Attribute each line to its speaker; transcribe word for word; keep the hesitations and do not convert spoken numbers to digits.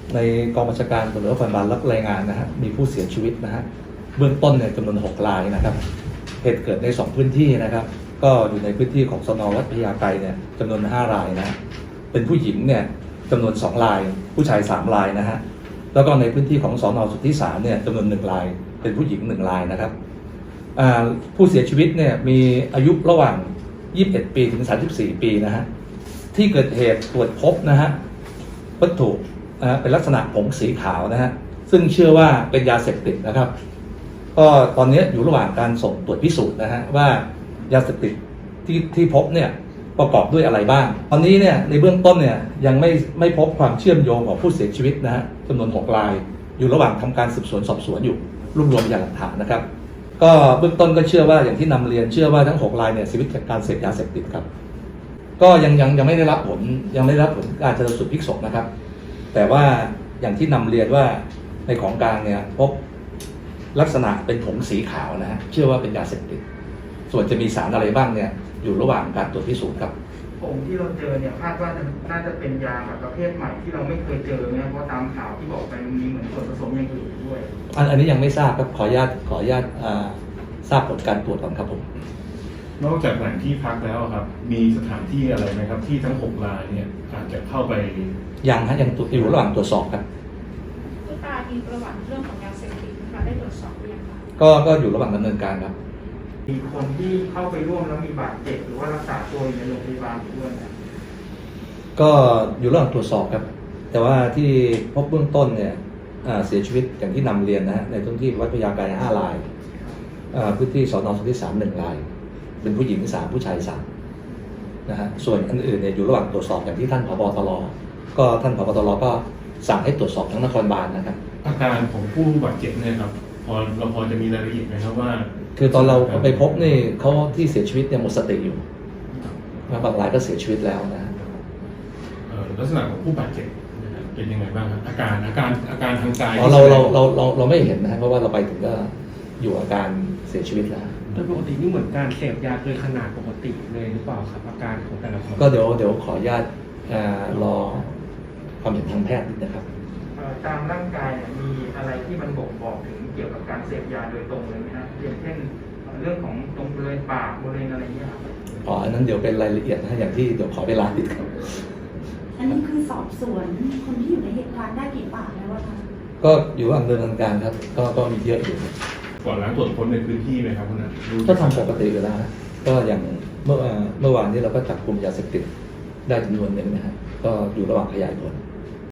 Speaker 1: ในกองบัญชาการตำรวจนครบาลรับรายงานนะฮะมีผู้เสียชีวิตนะฮะเบื้องต้นเนี่ยจำนวนหกรายนะครับเหตุเกิดในสองพื้นที่นะครับก็อยู่ในพื้นที่ของสน.วัดพญาไกรเนี่ยจำนวนห้ารายนะเป็นผู้หญิงเนี่ยจำนวนสองรายผู้ชายสามรายนะฮะแล้วก็ในพื้นที่ของสน.สุทธิสารเนี่ยจำนวนหนึ่งรายเป็นผู้หญิงหนึ่งรายนะครับผู้เสียชีวิตเนี่ยมีอายุระหว่างยี่สิบเอ็ดปีถึงสามสิบสี่ปีนะฮะที่เกิดเหตุตรวจพบนะฮะวัตถุเป็นลักษณะผงสีขาวนะฮะซึ่งเชื่อว่าเป็นยาเสพติดนะครับก็ตอนนี้อยู่ระหว่างการส่งตรวจพิสูจน์นะฮะว่ายาเสพติดที่ที่พบเนี่ยประกอบด้วยอะไรบ้างตอนนี้เนี่ยในเบื้องต้นเนี่ยยังไม่ไม่พบความเชื่อมโยงของผู้เสียชีวิตนะฮะจำนวนหกรายอยู่ระหว่างทำการสืบสวนสอบสวนอยู่รวบรวมพยานหลักฐานนะครับก็เบื้องต้นก็เชื่อว่าอย่างที่นำเรียนเชื่อว่าทั้งหกรายเนี่ยเสียชีวิตจากการเสพยาเสพติดครับก็ยังยังยังไม่ได้รับผลยังไม่ได้รับผลการชันสูตรพลิกศพนะครับแต่ว่าอย่างที่นำเรียนว่าในของกลางเนี่ยพบลักษณะเป็นผงสีขาวนะฮะเชื่อว่าเป็นยาเสพติดส่วนจะมีสารอะไรบ้างเนี่ยอยู่ระหว่างการตรวจพิสูจน์ครับ
Speaker 2: ผงที่เราเจอเนี่ยคาดว่าน่าจะเป็นยาแบบประเภทใหม่ที่เราไม่เคยเจอเนี่ยเพราะตามข่าวที่บอกไปมีเหมือนส่วนผสมอย่างอื่นด้วย
Speaker 1: อันอันนี้ยังไม่ทราบครับขออนุญาตขออนุญาตทราบผลการตรวจก่อนครับผม
Speaker 3: นอกจากแหล่งที่พักแล้วครับมีสถานที่อะไรไหมครับที่ทั้งหกรายเนี่ยอาจจะเข้าไป
Speaker 1: ยังฮะยังอยู่ระหว่างตรวจสอบครับ
Speaker 4: ผู้ตายมีประวัติเรื่องของยาเสพติดนะคะได้ตรวจสอบหรือยังคะ
Speaker 1: ก็ก็อยู่ระหว่างดำเนินการครับ
Speaker 2: มีคนที่เข้าไปร่วมแล้วมีบาดเจ็บหรือว่ารักษาตัวอยู่ในโรงพยาบาลด้วยนะ
Speaker 1: ก็อยู่ระหว่างตรวจสอบครับแต่ว่าที่พบเบื้องต้นเนี่ยเสียชีวิตอย่างที่นำเรียนนะฮะในพื้นที่วัดพญาไกรห้ารายพื้นที่สน.สุทธิสารหนึ่งรายเป็นผู้หญิงสามผู้ชายสามนะฮะส่วนอันอื่นเนี่ยอยู่ระหว่างตรวจสอบอย่างที่ท่านผบ.ตร.ก็ท่านผบ.ตร.ก็สั่งให้ตรวจสอบทั้งนครบาลนะครับ
Speaker 3: อาการของผู้บาดเจ็บเนี่ยครับพอเราพอจะมีรายละเอียดไหมครับว่า
Speaker 1: คือตอนเราไปพบนี่เขาที่เสียชีวิตเนี่ยหมดสติอยู่บางรายก็เสียชีวิตแล้วนะ
Speaker 3: ลักษณะของผู้บาดเจ็บเป็นยังไงบ้างครับอาการอาการอาการทางกาย
Speaker 1: เราเราเราเราเราไม่เห็นนะเพราะว่าเราไปถึงก็อยู่อาการเสียชีวิตแล้ว
Speaker 5: โดยปกตินี่เหมือนการเสพยาเกินขนาดปกติเลยหรือเปล่าครับอาการของแต่ละคน
Speaker 1: ก็เดี๋ยวเดี๋ยวขออนุญาตรอความเห็นทางแพทย์นิดนะครับ
Speaker 2: ตามร่างกายมีอะไรที่มันบ่งบอกถึงเกี่ยวกับการเสพยาโดยตรงเลยไหมครับอย่างเช่นเรื่องของตรงบริเวณปากบริเวณอะไรเงี้ยครับ
Speaker 1: อ๋ออันนั้นเดี๋ยวเป็นรายละเอียดนะอย่างที่เดี๋ยวขอเวลานิดครับ
Speaker 6: อันนี้คือสอบสวนคนที่อยู่ในเหตุการณ์ได้กี่ปากแล้ววะคะ
Speaker 1: ก็อยู่ระหว่างดำเนินการครับก็ก็มีเยอะอยู่
Speaker 3: ก่อนหลังตรวจค้นในพื้นที่ไหมครับคุณนัท
Speaker 1: ก็ทำปกติอยู่แล้วก็อย่างเมื่อเมื่อวานนี้เราก็จับกลุ่มยาเสพติดได้จำนวนหนึ่งนะฮะก็อยู่ระหว่างขยายผล